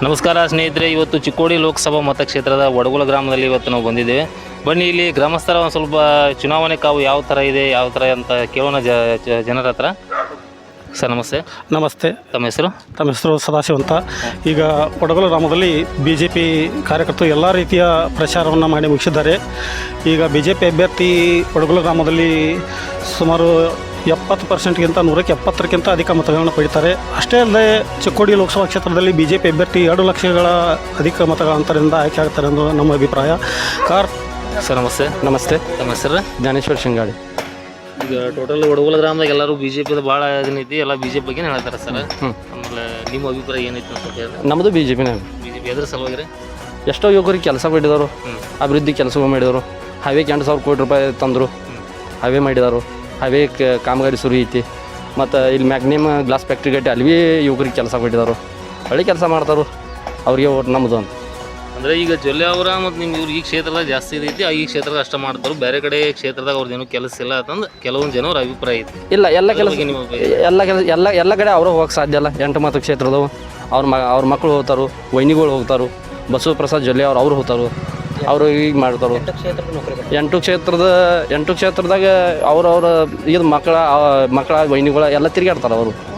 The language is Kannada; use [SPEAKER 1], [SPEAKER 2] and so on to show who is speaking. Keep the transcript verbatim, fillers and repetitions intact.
[SPEAKER 1] ನಮಸ್ಕಾರ ಸ್ನೇಹಿತರೆ, ಇವತ್ತು ಚಿಕ್ಕೋಡಿ ಲೋಕಸಭಾ ಮತಕ್ಷೇತ್ರದ ವಡಗುಲ ಗ್ರಾಮದಲ್ಲಿ ಇವತ್ತು ನಾವು ಬಂದಿದ್ದೇವೆ. ಬನ್ನಿ ಇಲ್ಲಿ ಗ್ರಾಮಸ್ಥರ ಒಂದು ಸ್ವಲ್ಪ ಚುನಾವಣೆ ಕಾವು ಯಾವ ಥರ ಇದೆ, ಯಾವ ಥರ ಅಂತ ಕೇಳೋಣ ಜ ಜನರ ಹತ್ರ. ಸರ್ ನಮಸ್ತೆ.
[SPEAKER 2] ನಮಸ್ತೆ.
[SPEAKER 1] ತಮ್ಮ ಹೆಸರು?
[SPEAKER 2] ತಮ್ಮ ಹೆಸರು ಸದಾಶಿವ ಅಂತ. ಈಗ ವಡಗುಲ ಗ್ರಾಮದಲ್ಲಿ ಬಿ ಜೆ ಪಿ ಕಾರ್ಯಕರ್ತರು ಎಲ್ಲ ರೀತಿಯ ಪ್ರಚಾರವನ್ನು ಮಾಡಿ ಮುಗಿಸಿದ್ದಾರೆ. ಈಗ ಬಿ ಜೆ ಪಿ ಅಭ್ಯರ್ಥಿ ವಡಗುಲ ಗ್ರಾಮದಲ್ಲಿ ಸುಮಾರು ಎಪ್ಪತ್ತು ಪರ್ಸೆಂಟ್ಗಿಂತ ನೂರಕ್ಕೆ ಎಪ್ಪತ್ತರಕ್ಕಿಂತ ಅಧಿಕ ಮತಗಳನ್ನು ಪಡೀತಾರೆ. ಅಷ್ಟೇ ಅಲ್ಲದೆ ಚಿಕ್ಕೋಡಿ ಲೋಕಸಭಾ ಕ್ಷೇತ್ರದಲ್ಲಿ ಬಿ ಜೆ ಪಿ ಅಭ್ಯರ್ಥಿ ಎರಡು ಲಕ್ಷಗಳ ಅಧಿಕ ಮತಗಳ ಅಂತರದಿಂದ ಆಯ್ಕೆ ಆಗ್ತಾರೆ ಎಂದು ನಮ್ಮ ಅಭಿಪ್ರಾಯ. ಕಾರ್
[SPEAKER 1] ಸರ್ ನಮಸ್ತೆ.
[SPEAKER 2] ನಮಸ್ತೆ.
[SPEAKER 1] ತಮ್ಮ ಹೆಸರು?
[SPEAKER 2] ಜ್ಞಾನೇಶ್ವರ ಶಿಂಗಾಡಿ.
[SPEAKER 1] ಈಗ ಟೋಟಲ್ ವಡಗುಲ ಗ್ರಾಮದಾಗ ಎಲ್ಲರೂ ಬಿ ಜೆ ಪಿದ ಭಾಳ ಇದನ್ನೈತಿ, ಎಲ್ಲ ಬಿ ಜೆ ಪಿ ಬಗ್ಗೆ ಹೇಳ್ತಾರೆ ಸರ್. ಆಮೇಲೆ ನಿಮ್ಮ ಅಭಿಪ್ರಾಯ ಏನೈತಿ ಅಂತ ಹೇಳಿ?
[SPEAKER 2] ನಮ್ಮದು ಬಿ ಜೆ ಪಿನೇ.
[SPEAKER 1] ಬಿ ಜೆ ಪಿ ಎದ್ರ ಸಲುವಾಗಿ ರೀ?
[SPEAKER 2] ಎಷ್ಟೋ ಯುವಕರಿಗೆ ಕೆಲಸ ಮಾಡಿದವರು, ಅಭಿವೃದ್ಧಿ ಕೆಲಸ ಮಾಡಿದರು. ಹೈವೇಗೆ ಎಂಟು ಸಾವಿರ ಕೋಟಿ ರೂಪಾಯಿ ತಂದರು, ಹೈವೇ ಮಾಡಿದರು. ಹೈವೇ ಕಾಮಗಾರಿ ಸುರಿ ಐತಿ. ಮತ್ತು ಇಲ್ಲಿ ಮ್ಯಾಗ್ನಿಮ್ ಗ್ಲಾಸ್ ಫ್ಯಾಕ್ಟ್ರಿ ಗಟ್ಟಿ ಅಲ್ಲಿ ಭೀ ಯುವಕರಿಗೆ ಕೆಲಸ ಕೊಟ್ಟಿದ್ದಾರೆ. ಒಳ್ಳೆ ಕೆಲಸ ಮಾಡ್ತಾರೆ, ಅವ್ರಿಗೆ ಓಟ್ ನಮ್ಮದು ಅಂತ.
[SPEAKER 1] ಅಂದರೆ ಈಗ ಜೊಲ್ಲೆ ಅವರ ಮತ್ತು ನಿಮ್ಮ ಇವ್ರು ಈ ಕ್ಷೇತ್ರದಾಗ ಜಾಸ್ತಿ ಇದೈತಿ, ಈ ಕ್ಷೇತ್ರದಾಗ ಅಷ್ಟ ಮಾಡ್ತಾರೆ, ಬೇರೆ ಕಡೆ ಕ್ಷೇತ್ರದಾಗ ಅವ್ರದ್ದೇನು ಕೆಲಸ ಇಲ್ಲ ಅಂತಂದು ಕೆಲವೊಂದು ಜನರ ಅಭಿಪ್ರಾಯ ಐತಿ.
[SPEAKER 2] ಇಲ್ಲ, ಎಲ್ಲ ಕೆಲಸ ಎಲ್ಲ ಕೆಲಸ ಎಲ್ಲ ಎಲ್ಲ ಕಡೆ ಅವರು ಹೋಗಕ್ಕೆ ಸಾಧ್ಯ ಇಲ್ಲ. ಎಂಟು ಮಾತು ಕ್ಷೇತ್ರದವು ಅವ್ರ ಮ ಅವ್ರ ಮಕ್ಕಳು ಹೋಗ್ತಾರೆ, ವೈನಿಗಳು ಹೋಗ್ತಾರೆ. ಬಸವ ಪ್ರಸಾದ್ ಜೊಲ್ಲೆ ಅವ್ರು ಅವ್ರು ಹೋಗ್ತಾರೆ, ಅವರು ಈಗ ಮಾಡ್ತಾರೆ. ಎಂಟು ಕ್ಷೇತ್ರದ ಎಂಟು ಕ್ಷೇತ್ರದಾಗ ಅವ್ರವ್ರ ಇದು ಮಕ್ಕಳ ಮಕ್ಕಳ ವೈನಿಗಳ ಎಲ್ಲ ತಿರುಗಾಡ್ತಾರೆ ಅವರು.